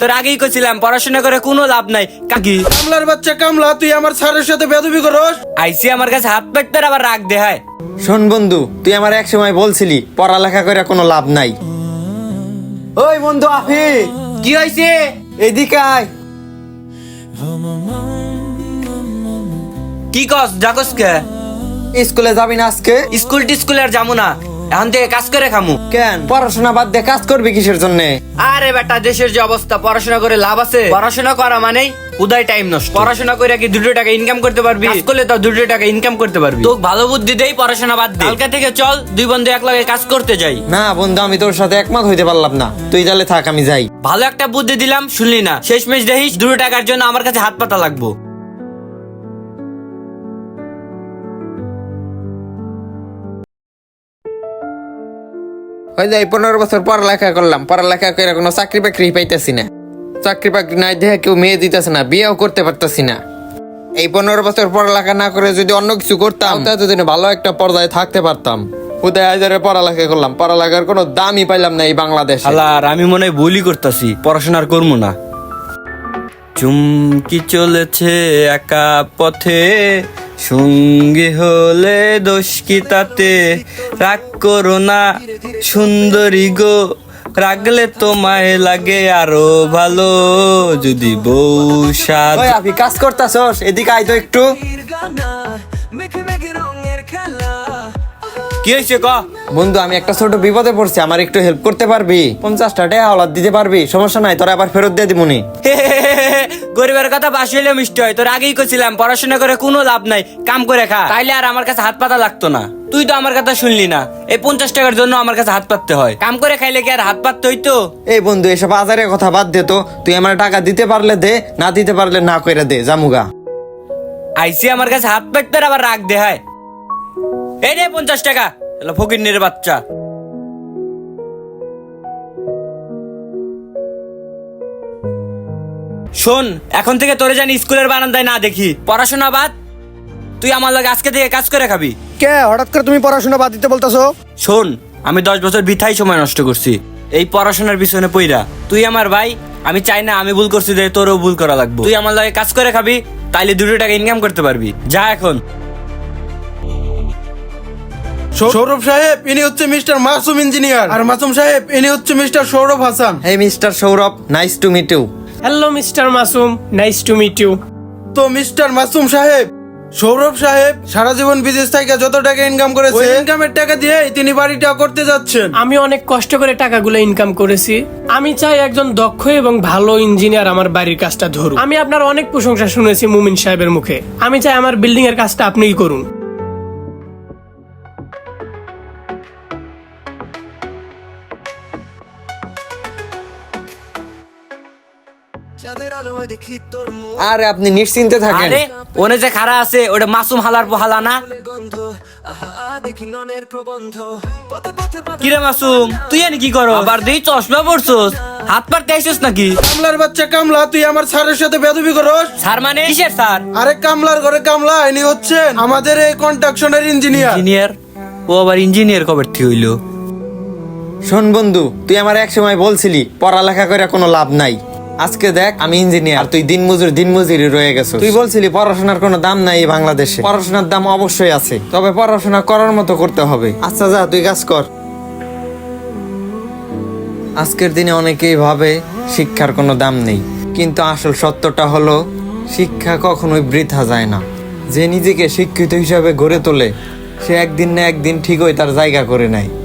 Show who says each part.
Speaker 1: তোর আগেই কইছিলাম পড়াশোনা করে কোনো লাভ নাই। কাকি
Speaker 2: কামলার বাচ্চা কামলা, তুই আমার স্যারের সাথে বেয়াদবি করস।
Speaker 1: আইসি আমার কাছে হাত পাততে আবার রাগ দেখায়।
Speaker 3: শোন বন্ধু, তুই আমার এক সময় বলছিলি পড়ালেখা করে কোনো লাভ নাই। ওই বন্ধু আফি,
Speaker 1: কি হইছে?
Speaker 3: এদিকে আয়।
Speaker 1: কি কস ডাকস কে?
Speaker 3: স্কুলে যাবি না আজকে?
Speaker 1: স্কুল আর যাবো না, এখন থেকে কাজ করে খামু।
Speaker 3: কেন, পড়াশোনা বাদ দিয়ে কাজ করবি কিসের জন্য?
Speaker 1: আরে বেটা, দেশের যে অবস্থা, পড়াশোনা করে লাভ আছে? পড়াশোনা করা মানেই উদয় টাইম নষ্ট। পড়াশোনা করে কি 2 টাকা ইনকাম করতে পারবি? কাজ করলে তো 2 টাকা ইনকাম করতে পারবি। তোকে ভালো বুদ্ধি দেই, পড়াশোনা বাদ দে। কালকে থেকে চল 2 বন্ধু একলগে কাজ করতে যাই।
Speaker 3: না বন্ধু, আমি তোর সাথে একমত হইতে পারলাম না। তুই তাহলে থাক, আমি যাই।
Speaker 1: ভালো একটা বুদ্ধি দিলাম, শুনলি না? শেষমেশ দেখিস 2 টাকার জন্য আমার কাছে হাত পাতা লাগবো।
Speaker 3: ওই যে 15 বছর পড়ালেখা করলাম, পড়ালেখা করে কোনো চাকরি বাকরি পাইতেছি না। চাকরি বাকরি নাই দেখে কেউ মেয়ে দিতেছে না, বিয়েও করতে পারতেছি না। এই 15 বছর পড়ালেখা না করে যদি অন্য কিছু করতাম, তাহলে এতদিনে ভালো একটা পর্যায়ে থাকতে পারতাম। উদয় হাজারে পড়ালেখা করলাম, পড়ালেখার কোনো দামই পাইলাম না এই বাংলাদেশে।
Speaker 1: আর আমি মনে হয় ভুলই করতেছি, পড়াশোনার করবো না। চুমকি চলেছে একা পথে, সঙ্গী হলে দোষ কি তাতে? রাগ করো না সুন্দরী গো, রাগলে তোমায় লাগে আরো ভালো। যদি বউ সাদ।
Speaker 3: ওই আপনি কাজ করতেছস, এদিকে আয় তো একটু।
Speaker 1: কি হয়েছে ক?
Speaker 3: বন্ধু, আমি একটা ছোট বিপদে পড়ছি, আমার একটু হেল্প করতে পারবি? 50 টাকা হাওলাত দিতে পারবি? সমস্যা নাই, তোরা আবার ফেরত দিয়ে দিবনি।
Speaker 1: গরিবের কথা বাসি হইলে মিষ্টি হয়। তোর আগেই কইছিলাম পড়াশোনা করে কোনো লাভ নাই, কাম করে খা, তাইলে আর আমার কাছে হাত পাতা লাগতো না। তুই তো আমার কথা শুনলি না। এই 50 টাকার জন্য আমার কাছে হাত পাততে হয়? কাম করে খাইলে কি আর হাত পাততে হইতো?
Speaker 3: এই বন্ধু, এসব আজারের কথা বাদ দে তো। তুই আমার টাকা দিতে পারলে দে, না দিতে পারলে না কইরা দে, জামুগা।
Speaker 1: আইসি আমার কাছে হাত পাততে আবার রাগ দেখায়। এই রে 50 টাকা, ফকিন্নির বাচ্চা। শোন, এখন থেকে তোরে জানি স্কুলের বারান্দায় না দেখি। পড়াশোনা বাদ, তুই আমার লগে আজকে থেকে কাজ করে খাবি।
Speaker 2: কে হঠাৎ করে তুমি পড়াশোনা বাদ দিতে বলতেছো?
Speaker 1: শোন, আমি 10 বছর বৃথাই সময় নষ্ট করছি এই পড়াশোনার পিছনে পইরা। তুই আমার ভাই, আমি চাই না আমি ভুল করছি যে তোরও ভুল করা লাগবে। তুই আমার লগে কাজ করে খাবি, তাইলে 2 টাকা ইনকাম করতে পারবি। যা এখন।
Speaker 2: সৌরভ সাহেব, ইনি হচ্ছে মিস্টার মাসুম ইঞ্জিনিয়ার, আর মাসুম সাহেব ইনি হচ্ছে mister Sourav Hasan.
Speaker 3: Hey mister Sourav, nice to meet you.
Speaker 4: Hello mister Masum, nice to meet you.
Speaker 2: তো মিস্টার মাসুম সাহেব, সৌরভ সাহেব সারা জীবন বিদেশ থেকে যত টাকা ইনকাম করেছে, ইনকামের টাকা দিয়ে তিনি বাড়িটা করতে যাচ্ছেন।
Speaker 4: আমি অনেক কষ্ট করে টাকাগুলো ইনকাম করেছি। আমি চাই একজন দক্ষ এবং ভালো ইঞ্জিনিয়ার আমার বাড়ির কাজটা ধরুন। আমি আপনার অনেক প্রশংসা শুনেছি মুমিন সাহেবের মুখে। আমি চাই আমার বিল্ডিং এর কাজটা আপনিই করুন।
Speaker 3: আরে আপনি নিশ্চিন্তে থাকেন।
Speaker 1: আরে ওনে যে খারা আছে, ওটা মাসুম হালার পোহালা না? কিরে মাসুম, তুই এনে কি করো? আবার দেই চশমা পড়ছস, হাত পারতে আইছস নাকি?
Speaker 2: কামলার বাচ্চা কামলা, তুই আমার স্যারের সাথে বেয়াদবি করস।
Speaker 1: স্যার মানে কিসের স্যার?
Speaker 2: আরে কামলার ঘরে কামলা, ইনি হচ্ছেন আমাদের এই কনস্ট্রাকশনের ইঞ্জিনিয়ার।
Speaker 1: ইঞ্জিনিয়ার? ও আবার ইঞ্জিনিয়ার কবে ঠিক হইলো?
Speaker 3: শোন বন্ধু, তুই আমার এক সময় বলছিলি পড়ালেখা করে কোনো লাভ নাই। আজকে দেখ, আমি ইঞ্জিনিয়ার, তুই দিনমজুরি রয়ে গেছো। তুই বলছিলি পড়াশোনার কোনো দাম নাই এই বাংলাদেশে। পড়াশোনার দাম অবশ্যই আছে, তবে পড়াশোনা করার মতো করতে হবে। আচ্ছা যা, তুই কাজ কর। আজকের দিনে অনেকেই ভাবে শিক্ষার কোনো দাম নেই, কিন্তু আসল সত্যটা হলো শিক্ষা কখনোই বৃথা যায় না। যে নিজেকে শিক্ষিত হিসাবে গড়ে তোলে, সে একদিন না একদিন ঠিকই তার জায়গা করে নেয়।